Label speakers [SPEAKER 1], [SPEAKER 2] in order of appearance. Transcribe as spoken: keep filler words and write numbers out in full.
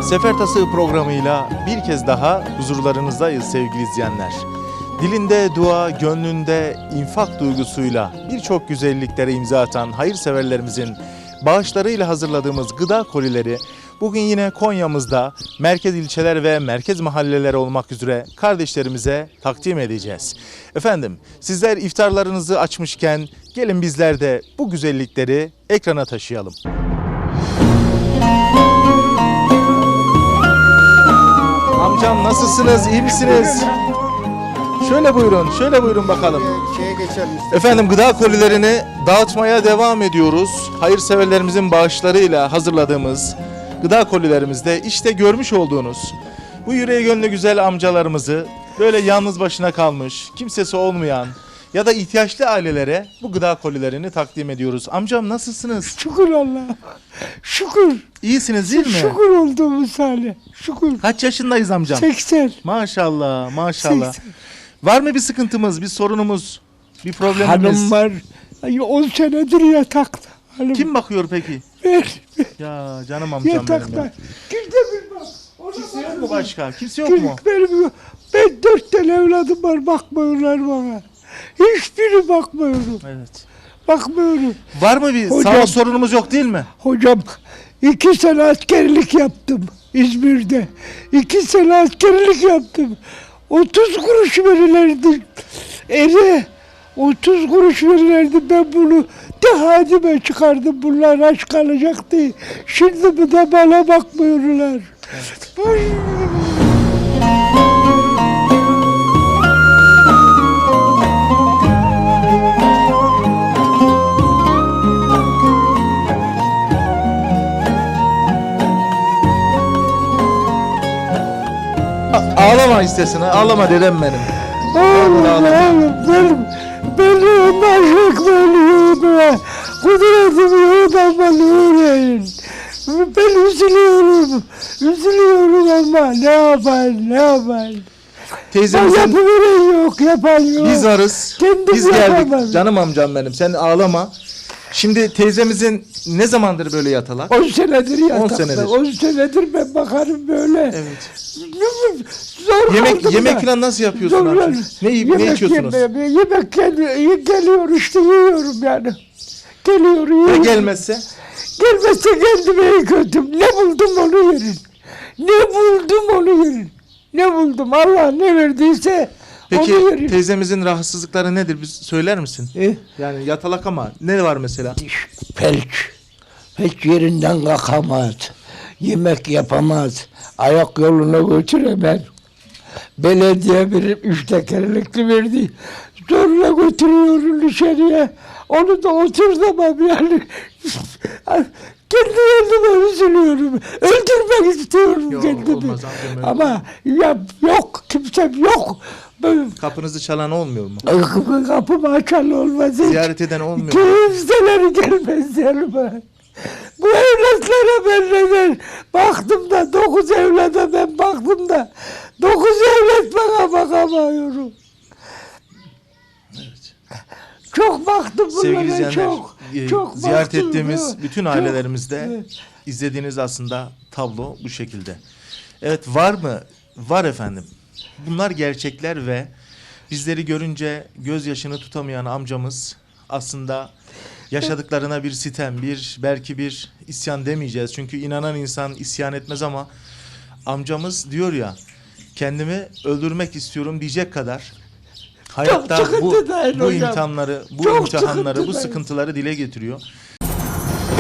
[SPEAKER 1] Sefer Tasığı programıyla bir kez daha huzurlarınızdayız sevgili izleyenler. Dilinde dua, gönlünde infak duygusuyla birçok güzelliklere imza atan hayırseverlerimizin bağışlarıyla hazırladığımız gıda kolileri bugün yine Konya'mızda merkez ilçeler ve merkez mahalleler olmak üzere kardeşlerimize takdim edeceğiz. Efendim, sizler iftarlarınızı açmışken gelin bizler de bu güzellikleri ekrana taşıyalım. Amcam nasılsınız, iyi misiniz? Şöyle buyurun, şöyle buyurun bakalım.
[SPEAKER 2] Şeye geçelim.
[SPEAKER 1] Efendim, gıda kolilerini dağıtmaya devam ediyoruz. Hayırseverlerimizin bağışlarıyla hazırladığımız gıda kolilerimizde işte görmüş olduğunuz bu yüreği gönlü güzel amcalarımızı böyle yalnız başına kalmış, kimsesi olmayan ya da ihtiyaçlı ailelere bu gıda kolilerini takdim ediyoruz. Amcam nasılsınız?
[SPEAKER 3] Şükür Allah'a. Şükür.
[SPEAKER 1] İyisiniz değil mi?
[SPEAKER 3] Şükür olduğumuz hale. Şükür.
[SPEAKER 1] Kaç yaşındayız amcam?
[SPEAKER 3] seksen.
[SPEAKER 1] Maşallah, maşallah.
[SPEAKER 3] seksen.
[SPEAKER 1] Var mı bir sıkıntımız, bir sorunumuz, bir problemimiz?
[SPEAKER 3] Hanım var. on senedir yatakta. Hanım.
[SPEAKER 1] Kim bakıyor peki?
[SPEAKER 3] Ben.
[SPEAKER 1] Ya canım amcam benim
[SPEAKER 3] Yatakta.
[SPEAKER 1] ya.
[SPEAKER 3] Kimse bilmem. Ona
[SPEAKER 1] Kimse yok
[SPEAKER 3] bakın.
[SPEAKER 1] mu başka? Kimse yok mu?
[SPEAKER 3] Benim yok. Ben dört tane evladım var. Bakmıyorlar bana. Hiçbiri bakmıyorum.
[SPEAKER 1] Evet.
[SPEAKER 3] Bakmıyorum.
[SPEAKER 1] Var mı bir
[SPEAKER 3] Hocam-
[SPEAKER 1] sağlık sorunumuz yok değil mi?
[SPEAKER 3] Hocam iki sene askerlik yaptım İzmir'de. İki sene askerlik yaptım. otuz kuruş verirlerdi. Eve otuz kuruş verirlerdi. Ben bunu de hadime çıkardım. Bunlar aç kalacak diye. Şimdi bu da bana bakmıyorlar. Ay.
[SPEAKER 1] A- ağlama istesin, ağlama dedem benim.
[SPEAKER 3] Oğlum,
[SPEAKER 1] Ağlama.
[SPEAKER 3] oğlum, benim, benim aşık bölüğüme, kudretimi yoğdamalı uğrayın. Ben üzülüyorum, üzülüyorum ama ne yapayım, ne yapayım. Ben
[SPEAKER 1] Teyzemizin
[SPEAKER 3] yapıveren yok, yapan yok.
[SPEAKER 1] biz varız,
[SPEAKER 3] Kendim
[SPEAKER 1] biz geldik.
[SPEAKER 3] yapamam.
[SPEAKER 1] Canım amcam benim, sen ağlama. Şimdi teyzemizin ne zamandır böyle yatalak?
[SPEAKER 3] On senedir yatakta,
[SPEAKER 1] senedir.
[SPEAKER 3] on senedir ben bakarım böyle.
[SPEAKER 1] Evet.
[SPEAKER 3] Zor
[SPEAKER 1] Yemek
[SPEAKER 3] kaldım
[SPEAKER 1] yemek
[SPEAKER 3] da.
[SPEAKER 1] falan nasıl yapıyorsun
[SPEAKER 3] Zor-
[SPEAKER 1] amcam? Ne yiyip ne
[SPEAKER 3] Yemek
[SPEAKER 1] içiyorsunuz?
[SPEAKER 3] yemeye- Yemek geliyor, geliyor işte yiyorum yani. Geliyor
[SPEAKER 1] Ya
[SPEAKER 3] yiyorum.
[SPEAKER 1] gelmezse?
[SPEAKER 3] Gelmezse kendime iyi kötüm. Ne buldum onu yerim. Ne buldum onu yerim. Ne buldum Allah ne verdiyse
[SPEAKER 1] Peki
[SPEAKER 3] onu yerim.
[SPEAKER 1] teyzemizin rahatsızlıkları nedir? Biz söyler misin?
[SPEAKER 3] Eh,
[SPEAKER 1] Yani yatalak ama ne var mesela?
[SPEAKER 3] felç. Hiç yerinden kalkamaz. Yemek yapamaz. Ayak yoluna götüremez. Belediye bir üç tekerlekli verdi. Zorla götürüyorum dışarıya. Onu da oturtamam yani. Kendi kendime üzülüyorum. Öldürmek istiyorum
[SPEAKER 1] Yok,
[SPEAKER 3] kendimi.
[SPEAKER 1] olmaz amcam, öyle
[SPEAKER 3] Ama ya, yok, kimsem yok. Ben,
[SPEAKER 1] Kapınızı çalan olmuyor mu?
[SPEAKER 3] kapı, kapımı açan olmaz hiç.
[SPEAKER 1] Ziyaret eden olmuyor mu?
[SPEAKER 3] Kimseler gelmez yanıma. Bu evlatlara ben neden baktım da dokuz evlada ben baktım da dokuz evlat bana bakamıyorum. Çok baktım
[SPEAKER 1] Sevgili
[SPEAKER 3] bunlara
[SPEAKER 1] izleyenler,
[SPEAKER 3] çok.
[SPEAKER 1] e,
[SPEAKER 3] Çok
[SPEAKER 1] ziyaret
[SPEAKER 3] baktım,
[SPEAKER 1] ettiğimiz
[SPEAKER 3] evet.
[SPEAKER 1] bütün
[SPEAKER 3] Çok,
[SPEAKER 1] ailelerimizde
[SPEAKER 3] evet.
[SPEAKER 1] izlediğiniz aslında tablo bu şekilde. Evet, var mı? Var efendim. Bunlar gerçekler ve bizleri görünce gözyaşını tutamayan amcamız aslında yaşadıklarına bir sitem, bir belki bir isyan demeyeceğiz. Çünkü inanan insan isyan etmez ama amcamız diyor ya, kendimi öldürmek istiyorum diyecek kadar hayatta bu,
[SPEAKER 3] sıkıntı değil
[SPEAKER 1] bu
[SPEAKER 3] hocam.
[SPEAKER 1] imtihanları, bu
[SPEAKER 3] Çok
[SPEAKER 1] imtihanları, bu
[SPEAKER 3] sıkıntı değil.
[SPEAKER 1] sıkıntıları dile getiriyor.